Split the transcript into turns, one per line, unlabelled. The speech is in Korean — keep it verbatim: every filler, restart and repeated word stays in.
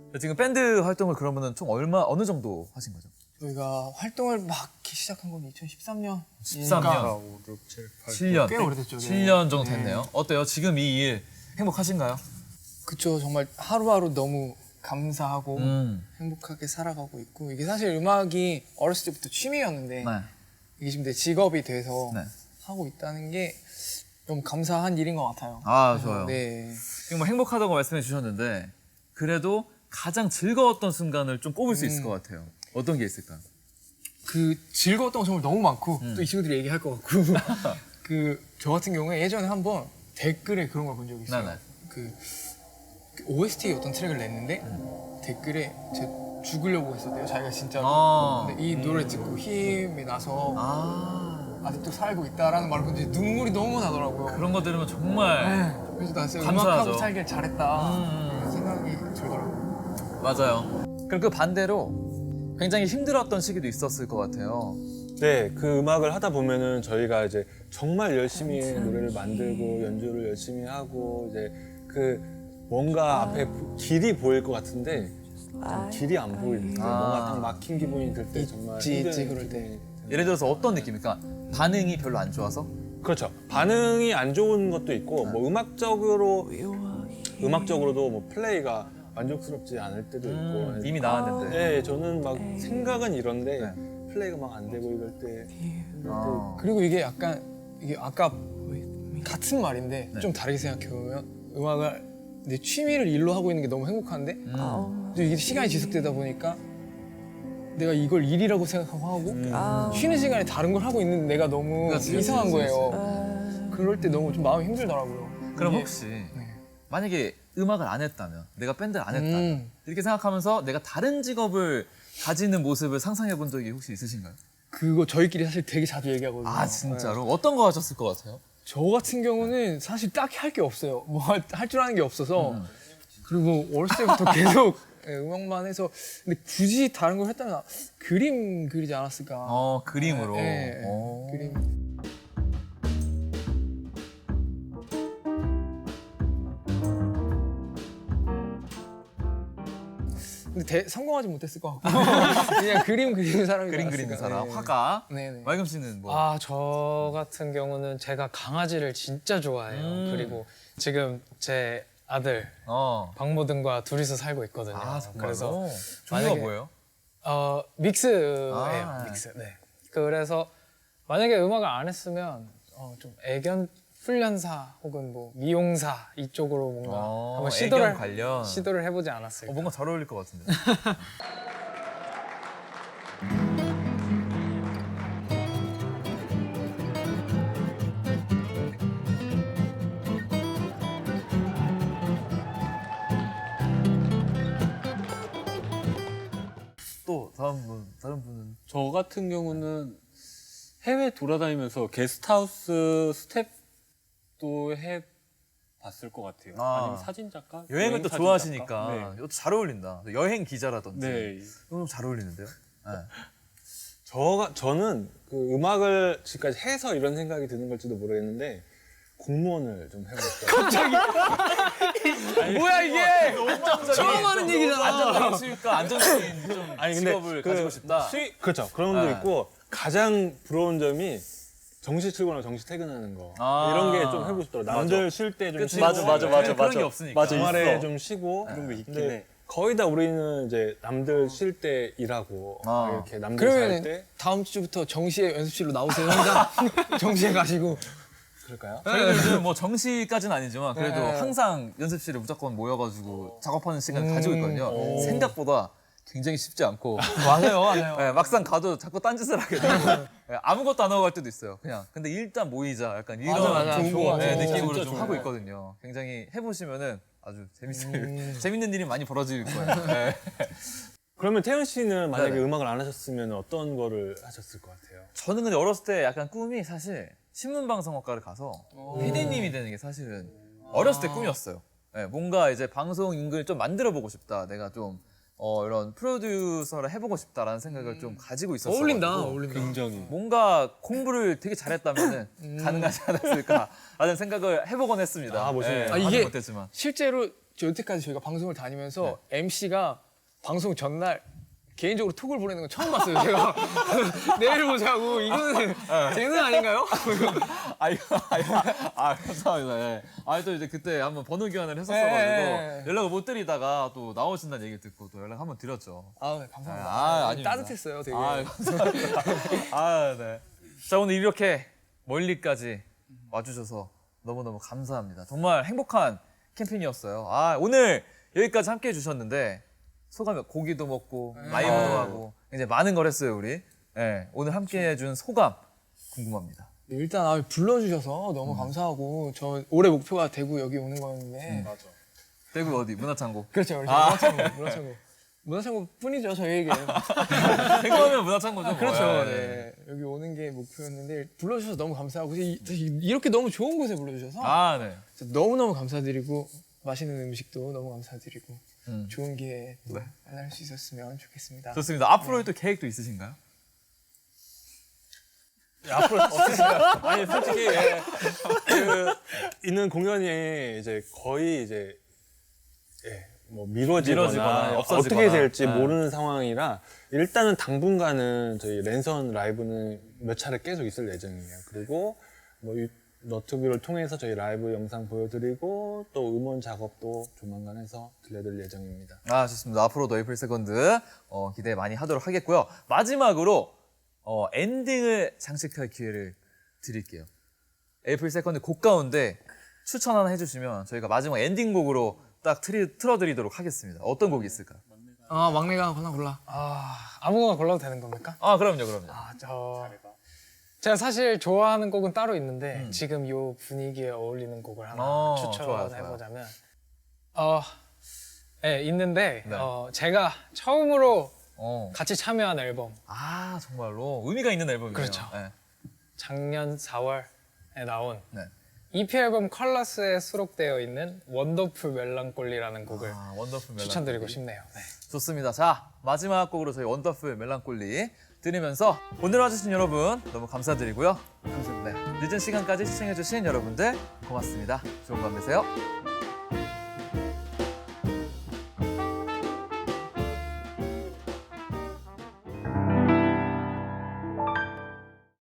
지금 밴드 활동을 그러면은 총 얼마 어느 정도 하신 거죠?
저희가 활동을 막 시작한 건 이천십삼 년.
십삼 년,
오, 육, 칠, 팔.
칠 년,
꽤 오래됐죠.
칠 년 정도 됐네요. 어때요? 지금 이 일 행복하신가요?
그쵸. 정말 하루하루 너무 감사하고
음.
행복하게 살아가고 있고, 이게 사실 음악이 어렸을 때부터 취미였는데
네.
이게 지금 내 직업이 돼서
네.
하고 있다는 게 너무 감사한 일인 것 같아요.
아, 좋아요.
네.
지금 뭐 행복하다고 말씀해 주셨는데 그래도 가장 즐거웠던 순간을 좀 꼽을 수 있을 것 같아요. 어떤 게 있을까요?
그 즐거웠던 거 정말 너무 많고
음.
또 이 친구들이 얘기할 것 같고 그 저 같은 경우에 예전에 한번 댓글에 그런 걸 본 적이 있어요.
네네.
그 오에스티 어떤 트랙을 냈는데
음.
댓글에 제 죽으려고 했었대요. 자기가 진짜로.
아.
근데 이 노래 듣고 힘이 나서
아,
아직도 살고 있다라는 말을 듣는데 눈물이 너무 나더라고요.
그런 거 들으면 정말
그래서 나 진짜
감사하죠.
음악하고 살길 잘했다
음.
이런 생각이 들더라고요.
맞아요. 그럼 그 반대로 굉장히 힘들었던 시기도 있었을 것 같아요.
네, 그 음악을 하다 보면은 저희가 이제 정말 열심히 노래를 만들고 연주를 열심히 하고 이제 그 뭔가 앞에 길이 보일 것 같은데 그 길이 안 보일 때
아.
뭔가 딱 막힌 기분이 들 때 정말
있지,
힘든
있지, 그럴 때.
기분이
예를 들어서 어떤 느낌입니까? 반응이 별로 안 좋아서?
그렇죠. 반응이 안 좋은 것도 있고 뭐 음악적으로 음악적으로도 뭐 플레이가 만족스럽지 않을 때도 있고
음, 이미 나왔는데.
네, 저는 막 생각은 이런데
네.
플레이가 막 안 되고 이럴 때 이럴
아.
그리고 이게 약간 이게 아까 같은 말인데
네.
좀 다르게 생각해보면 음악을 내 취미를 일로 하고 있는 게 너무 행복한데
음.
또 이게 시간이 지속되다 보니까 내가 이걸 일이라고 생각하고 하고
때
쉬는 시간에 다른 걸 하고 있는 내가 너무
그렇지,
이상한
그렇지,
거예요. 그럴 때 너무 좀 마음이 힘들더라고요.
그럼
이게-
혹시
네.
만약에 음악을 안 했다면, 내가 밴드를 안 했다면
음.
이렇게 생각하면서 내가 다른 직업을 가지는 모습을 상상해 본 적이 혹시 있으신가요?
그거 저희끼리 사실 되게 자주 얘기하거든요.
아 진짜로? 어떤 거 하셨을 것 같아요?
저 같은 경우는 사실 딱히 할 게 없어요. 뭐 할 줄 아는 게 없어서.
음.
그리고 어렸을 때부터 계속 예, 음악만 해서. 근데 굳이 다른 걸 했다면 그림 그리지 않았을까.
어 그림으로.
예, 예,
어.
그림. 근데 대, 성공하지 못했을 것 같고 그냥 그림 그리는 사람이
그림
나았을까.
그리는 사람,
네.
화가.
네네.
말금 씨는 뭐?
아, 저 같은 경우는 제가 강아지를 진짜 좋아해요.
음.
그리고 지금 제 아들
어.
박모든과 둘이서 살고 있거든요.
아 정말로?
그래서
종류가
만약에-
뭐예요?
어, 믹스예요.
아.
믹스. 네. 그래서 만약에 음악을 안 했으면 어, 좀 애견 훈련사 혹은 뭐 미용사 이쪽으로 뭔가
어,
한번
애견
시도를
관련.
시도를 해보지 않았을까.
어, 뭔가 잘 어울릴 것 같은데. 또 다음 분, 다른 분은
저 같은 경우는 해외 돌아다니면서 게스트하우스 스텝도 해 봤을 것 같아요.
아.
아. 니면 사진 작가?
여행을 또
사진
좋아하시니까
작가?
이것도 잘 어울린다. 여행 기자라든지.
네. 네.
이거 좀 잘 어울리는데요? 네.
저가 저는 그 음악을 지금까지 해서 이런 생각이 드는 걸지도 모르겠는데 공무원을 좀 해보고 싶어요.
뭐야 이게?
처음
하는 얘기잖아.
안정적인 수익과 안정적인 좀
아니 근데
직업을
그
가지고 싶다.
수익 그렇죠. 그런 것도
네.
있고 가장 부러운 점이 정시 출근하고 정시 퇴근하는 거
아.
이런 게 좀 해보고 싶더라고요. 남들 쉴 때 좀
그치,
쉬고
맞아, 맞아, 맞아, 그런 게 없으니까.
맞아,
주말에
있어.
좀 쉬고
그런 거 있긴
근데
해.
거의 다 우리는 이제 남들 쉴 때 일하고
아.
이렇게 남들 잘
그러면
때
다음 주부터 정시에 연습실로 나오세요. 혼자 정시에 가시고.
그럴까요?
저희들은 뭐 정시까지는 아니지만 그래도
네.
항상 연습실에 무조건 모여가지고 작업하는 시간을
음,
가지고 있거든요.
오.
생각보다 굉장히 쉽지 않고
맞아요, 맞아요.
네, 막상 가도 자꾸 딴짓을 하게 돼요. 네, 아무것도 안 하고 갈 때도 있어요. 그냥 근데 일단 모이자 약간 이런
맞아, 맞아.
좋은
좋은
거
거
네,
같아요.
느낌으로
진짜
좀
좋은
하고
거
있거든요. 굉장히 해보시면은 아주 재밌어요.
음.
재밌는 일이 많이 벌어질 거예요. 네.
그러면 태연 씨는 만약에
네네.
음악을 안 하셨으면 어떤 거를 하셨을 것 같아요?
저는 근데 어렸을 때 약간 꿈이 사실 신문방송학과를 가서 피디님이 되는 게 사실은 어렸을 때 꿈이었어요. 네, 뭔가 이제 방송 인근을 좀 만들어 보고 싶다. 내가 좀 어, 이런 프로듀서를 해보고 싶다라는 생각을 좀 가지고 있었어요.
어울린다, 어울린다.
굉장히.
뭔가 공부를 되게 잘했다면은 가능하지 않았을까라는 생각을 해보곤 했습니다.
아, 멋있네요.
네,
아,
아직
이게-
못했지만.
실제로 저 여태까지 저희가 방송을 다니면서 엠씨가 방송 전날 개인적으로 톡을 보내는 건 처음 봤어요. 제가 내일 보자고 이거는 재능 아닌가요?
아 이거 아, 이거, 아 감사합니다. 예. 아또 이제 그때 한번 번호 교환을 했었어가지고
예.
연락을 못 드리다가 또 나오신다는 얘기 듣고 또 연락 한번 드렸죠.
아 네, 감사합니다.
아, 아닙니다.
따뜻했어요, 되게.
아 감사합니다. 아 네. 자 오늘 이렇게 멀리까지 와주셔서 너무너무 감사합니다. 정말 행복한 캠핑이었어요. 아 오늘 여기까지 함께 해주셨는데 소감이 고기도 먹고 라이브도 하고 이제 많은 걸 했어요 우리. 네, 오늘 함께 해준 소감 궁금합니다.
네, 일단 아, 불러주셔서 너무 감사하고 저 올해 목표가 대구 여기 오는 거였는데
대구 어디 문화창고.
그렇죠, 그렇죠. 문화창고, 문화창고. 문화창고 뿐이죠 저희에게.
대구하면 문화창고죠.
그렇죠.
뭐.
네. 여기 오는 게 목표였는데 불러주셔서 너무 감사하고 이- 이- 이렇게 너무 좋은 곳에 불러주셔서
아 네.
너무 너무 감사드리고 맛있는 음식도 너무 감사드리고
음.
좋은 기회에 또
네.
만날 수 있었으면 좋겠습니다.
좋습니다. 앞으로의 또 계획도 있으신가요?
앞으로 없으신가요? 아니 솔직히 예, 그 있는 공연이 이제 거의 이제 예, 뭐 미뤄지거나,
미뤄지거나 없어지거나.
어떻게 될지
네.
모르는 상황이라 일단은 당분간은 저희 랜선 라이브는 몇 차례 계속 있을 예정이에요. 그리고 뭐 유- 너튜브를 통해서 저희 라이브 영상 보여드리고 또 음원 작업도 조만간 해서 들려드릴 예정입니다.
아 좋습니다. 앞으로도 에이프릴 세컨드 어, 기대 많이 하도록 하겠고요. 마지막으로 어, 엔딩을 장식할 기회를 드릴게요. 에이프릴 세컨드 곡 가운데 추천 하나 해주시면 저희가 마지막 엔딩곡으로 딱 틀이, 틀어드리도록 하겠습니다. 어떤 곡이 있을까요?
아 막내가 하나 골라.
아 아무거나 골라도 되는 겁니까?
아 그럼요, 그럼요.
아, 저 제가 사실 좋아하는 곡은 따로 있는데 지금 이 분위기에 어울리는 곡을 하나
어,
추천해
좋아요,
보자면 어, 네, 있는데
네.
어, 제가 처음으로
어.
같이 참여한 앨범
아 정말로 의미가 있는 앨범이네요.
그렇죠.
네.
작년 사월에 나온
네.
이피 앨범 컬러스에 수록되어 있는 원더풀 멜랑콜리라는 곡을
아, 원더풀 멜랑콜리.
추천드리고 싶네요. 네.
좋습니다. 자 마지막 곡으로 저희 원더풀 멜랑콜리 들으면서 오늘 와주신 여러분 너무 감사드리고요. 감사합니다. 네, 늦은 시간까지 시청해주신 여러분들 고맙습니다. 좋은 밤 되세요.